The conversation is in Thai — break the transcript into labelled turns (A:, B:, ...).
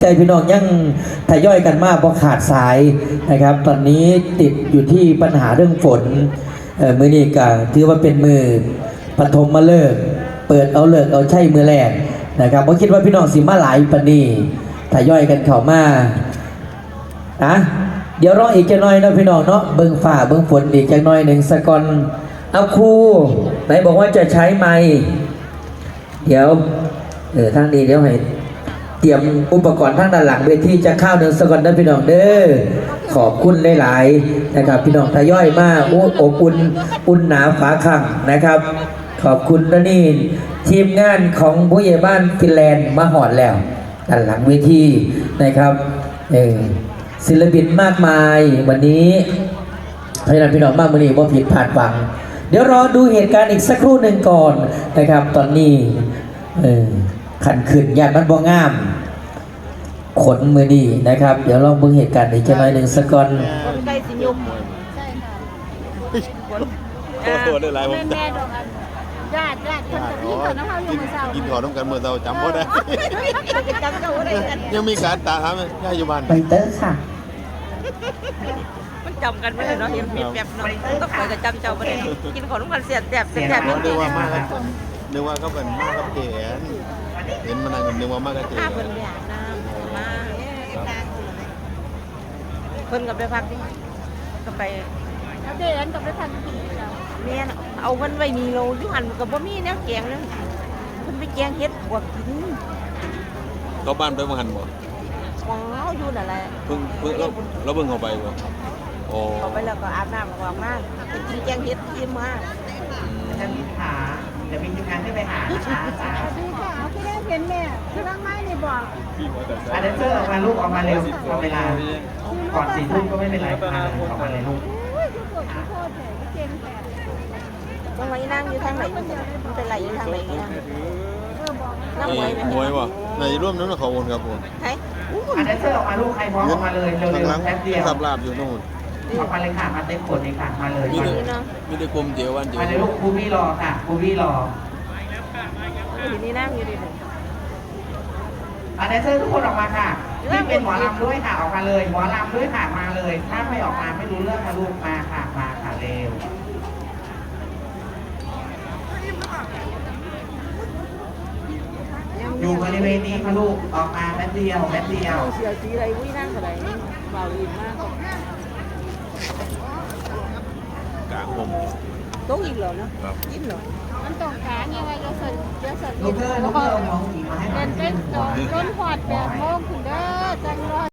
A: ใจพี่น้องยังทยอยกันมากเพราะขาดสายนะครับตอนนี้ติดอยู่ที่ปัญหาเรื่องฝนมือนี้ก็ถือว่าเป็นมือปฐมมาเลิกเปิดเอาเลิกเอาใช่มือแรกนะครับผมคิดว่าพี่น้องสิมาหลายปนี้ทยอยกันเข้ามาเดี๋ยวรออีกจะน้อยนะพี่น้องเนาะเบิ่งฝ่าเบิ่งฝนอีกจะน้อยหนึ่งสกอนเอาครูไหนบอกว่าจะใช้ไม้เดี๋ยวทางนี้เดี๋ยวให้เตรียมอุปกรณ์ทางด้านหลังเวทีจะเข้าหนึ่งสกอนนะพี่น้องเด้อขอบคุณหลายๆนะครับพี่น้องทยอยมากอบอุ่นหนาฝาขังนะครับขอบคุณนะนี่ทีมงานของผู้ใหญ่บ้านฟินแลนด์มาหอดแล้วด้านหลังเวทีนะครับศิลปินมากมายวันนี้ให้เราพี่น้องมากวันนี้ว่าผิดพลาดฟังเดี๋ยวรอดูเหตุการณ์อีกสักครู่หนึ่งก่อนนะครับตอนนี้ขันขึ้นยานมันบ่งามขนมือดีนะครับเดี๋ยวลองเบิ่งเหตุการณ์อีกจะน้อยหนึ่งสักก่อน
B: ใกล้สิยุมใช่ค่ะ
C: ตัวได้หลายผม
B: แม่ดอกอันญาติคนจะกินข้าวน้ำข้าวอยู่เมื่อเช้า
C: กินข้าวน้ำกันเมื่อเราจำบ่ได้
B: จำเจ้าได้กัน
C: ยังมีการตาถามย่าอยู่บ้าน
A: ไปเตอร์ค่ะ
B: มันจำกันไม่ได้เนาะเห็นแบบเนาะต้องคอยจะจำเจ้าไม่ได้กินข้าวน้ำกันเสียบแสบ
C: นึกว่ามาแล้วนึกว่าก็เป็นมากับเก๋เห็นมันนั่งนึกว่ามากับเก๋
B: ข้าเพิ่นไปอาบน้ำมาเพิ่นกับไปพักก็ไปเอาเดินกับไปพักแม่เอามันไว้มีโลยุหันกับบ่มีแนวแกงนั่นเพิ่นไปแกงเฮ็ดบวกกิน
C: เขาบ้านไปมาหันบ่
B: ว้าวอยู่นั่นแหละ
C: เพิ่งเราเพิ่งเข้าไปบ่โอ้
B: เข้าไปแล้วก็อาบน้ำออกมาไปกินแกงเฮ็ดกินมา
D: จะมีขาจะมีทีมงานที่ไปหานะคะ
B: สวัสดีค่ะที่ได้เห็นแม่คือร่างไม้นี่บอก
D: อันเดนเซอร์ออกมาลูกออกมาเร็วเอาเวลาก่อน4 ทุ่มก็ไม่เป็นไรค่ะออกมาเลยลูก
B: ตรงไหนนั่งอยู่ทางไหนมันเป็นไรอยู่ทางไหนเนี่ยนั่งไว้ไหม
C: มวยบ่ในร่วมนั้นเขาวนครับผม
D: อันเดนเซอร์ออกมาลูกใครพร้อมออกมาเลยเร็วๆแป๊บเดียว
C: สับลาบอยู่โน่น
D: ออกมาเลยค่ะมาเต็มขวดเลยค่ะมาเลย
C: มีแต่กลมเจียววันเจียว
D: มาเลยลูกครูพี่รอค่ะครูพี่รอ
B: อยู่นี่นั่งอยู่ดิ
D: อันเดนเซอร์ทุกคนออกมาค่ะนี่เป็นหมอลำด้วยค่ะออกมาเลยหมอลำด้วยค่ะมาเลยถ้าไม่ออกมาไม่รู้เรื่องค่ะลูกมาค่ะมาค่ะเร็วอยู่บริเวณนี้ค่ะลูกออกมาแป๊บเดียว
B: เสียสีอะไรวิ่งนั่งอะไรเบาอินมาก
C: กลางผม
B: โต๊ะอีกเหรอเนาะยิ้มเหรอมันตรงกลางยังไงจะเสร็จ
D: ลูกเพื่อนมองอีกมาให้
B: เป็นต้นหอดแบบโมงคุณเด้อ